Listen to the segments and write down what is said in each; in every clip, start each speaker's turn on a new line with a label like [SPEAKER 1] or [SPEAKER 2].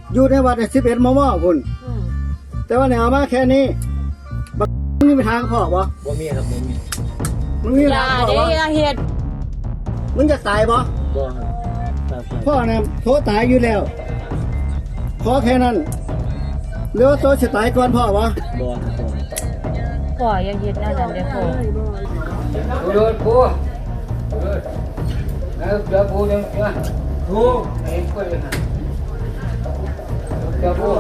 [SPEAKER 1] อยู่ในวัด11 มม.คุณแต่ว่าเนี่ยเอามาแค่นี้บักมึงมีทางพ่อบ่
[SPEAKER 2] มีครับบ่มี
[SPEAKER 1] มึงมีทางพ่อบ่
[SPEAKER 3] เฮ็ด
[SPEAKER 1] มึงจะตายบ่
[SPEAKER 2] ครับ
[SPEAKER 1] พ่อเนี่ยโทษตายอยู่แล้วขอแค่นั้นหรือว่าโตจะตายก่อนพ่อบ่
[SPEAKER 3] พ่ออย่าเฮ็ดนั่นเด้อพ่อ
[SPEAKER 2] โดนปูแล้วเดี๋ยวปูเดี๋ยวปูไอ้กล้วยนะเดี๋ยวปู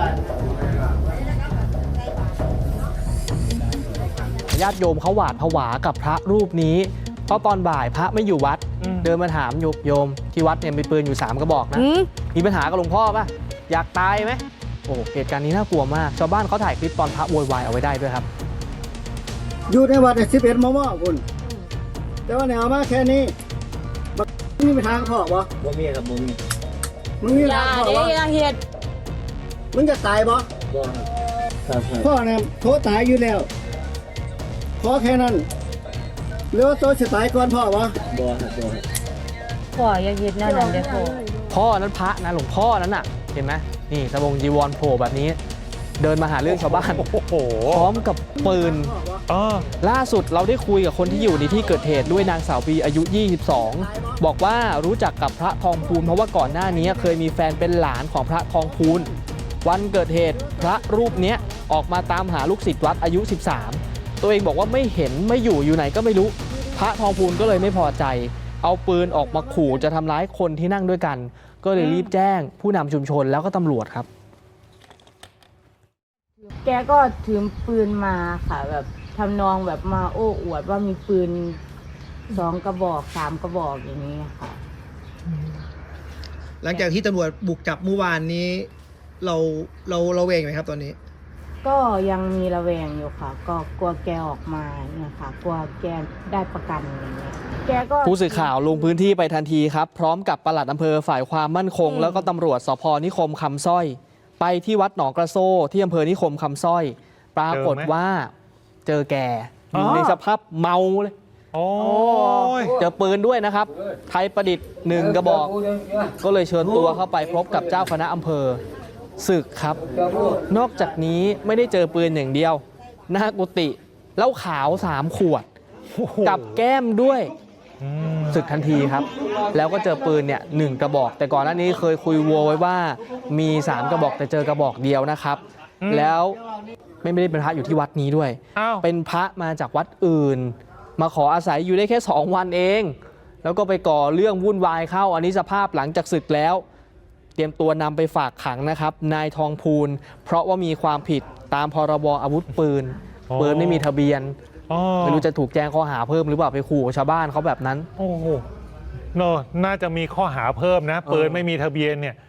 [SPEAKER 4] ญาติโยมเขาหวาดผวากับพระรูปนี้เพราะตอนบ่ายพระไม่อยู่วัดเดินมาถามโยมที่วัดเนี่ยมีปืนอยู่3 กระบอกนะมีปัญหากับหลวงพ่อป่ะอยากตายไหมโอ้เหตุการณ์นี้น่ากลัวมากชาวบ้านเขาถ่ายคลิปตอนพระโวยวายเอาไว้ได้ด้วยครับ
[SPEAKER 1] อยู่ในวัด11 มม.คุณแต่ว่าเนี่ยเอามาแค่นี้บักมึงมีทางพ่อบ่
[SPEAKER 2] มีครับบ่มี
[SPEAKER 1] มึงมีทางพ่อบ่
[SPEAKER 3] เฮ็ด
[SPEAKER 1] มึงจะตายบ่
[SPEAKER 2] ครับ
[SPEAKER 1] พ่อเนี่ยโทษตายอยู่แล้วขอแค่นั้นหรือว่าโตจะตายก่อนพ่อบ่
[SPEAKER 3] พ่ออย่าเฮ็ดนั่นเด้อ
[SPEAKER 4] พ่อนั้นพระนะหลวงพ่อนั้นน่ะเห็นไหมนี่สบงจีวรโผล่แบบนี้เดินมาหาเรื่องชาวบ้านพร้อมกับปืนล่าสุดเราได้คุยกับคนที่อยู่ในที่เกิดเหตุด้วยนางสาวปีอายุ22บอกว่ารู้จักกับพระทองพูนเพราะว่าก่อนหน้านี้เคยมีแฟนเป็นหลานของพระทองพูนวันเกิดเหตุพระรูปนี้ออกมาตามหาลูกศิษย์วัดอายุ13ตัวเองบอกว่าไม่เห็นไม่อยู่ไหนก็ไม่รู้พระทองพูนก็เลยไม่พอใจเอาปืนออกมาขู่จะทำร้ายคนที่นั่งด้วยกันก็เลยรีบแจ้งผู้นำชุมชนแล้วก็ตำรวจครับ
[SPEAKER 3] แกก็ถือปืนมาค่ะแบบทำนองแบบมาโอ้อวดว่ามีปืน2 กระบอก3 กระบอกอย่างนี้ค่ะ
[SPEAKER 5] หลังจากที่ตำรวจบุกจับเมื่อวานนี้เราระแวงไหมครับตอนนี้
[SPEAKER 3] ก็ยังมีระแวงอยู่ค่ะก็กลัวแกออกมาเนี่ยค่ะกลัวแกได้ประกันอย่างเงี้ยแกก็
[SPEAKER 4] ผู้สื่อข่าวลงพื้นที่ไปทันทีครับพร้อมกับปลัดอำเภอฝ่ายความมั่นคงแล้วก็ตำรวจสภ.นิคมคำสร้อยไปที่วัดหนองกระโซ่ที่อำเภอนิคมคำสร้อยปรากฏว่าเจอแกอยู่ในสภาพเมาเลยเจอปืนด้วยนะครับไทยประดิษฐ์1 กระบอกก็เลยเชิญตัวเข้าไปพบกับเจ้าคณะอำเภอศึกครับนอกจากนี้ไม่ได้เจอปืนอย่างเดียวหน้ากุฏิเหล้าขาว3 ขวดกับแก้มด้วยศึกทันทีครับแล้วก็เจอปืนเนี่ย1 กระบอกแต่ก่อนหน้านี้เคยคุยวัวไว้ว่ามี3 กระบอกแต่เจอกระบอกเดียวนะครับแล้วไม่ได้เป็นพระอยู่ที่วัดนี้ด้วยเป็นพระมาจากวัดอื่นมาขออาศัยอยู่ได้แค่2 วันเองแล้วก็ไปก่อเรื่องวุ่นวายเข้าอันนี้สภาพหลังจากศึกแล้วเตรียมตัวนำไปฝากขังนะครับนายทองพูนเพราะว่ามีความผิดตามพรบอาวุธปืนไม่มีทะเบียนไม่รู้จะถูกแจ้งข้อหาเพิ่มหรือเปล่าไปขู่ชาวบ้านเขาแบบนั้น
[SPEAKER 6] โอ้โหน่าจะมีข้อหาเพิ่มนะปืนไม่มีทะเบียนเนี่ย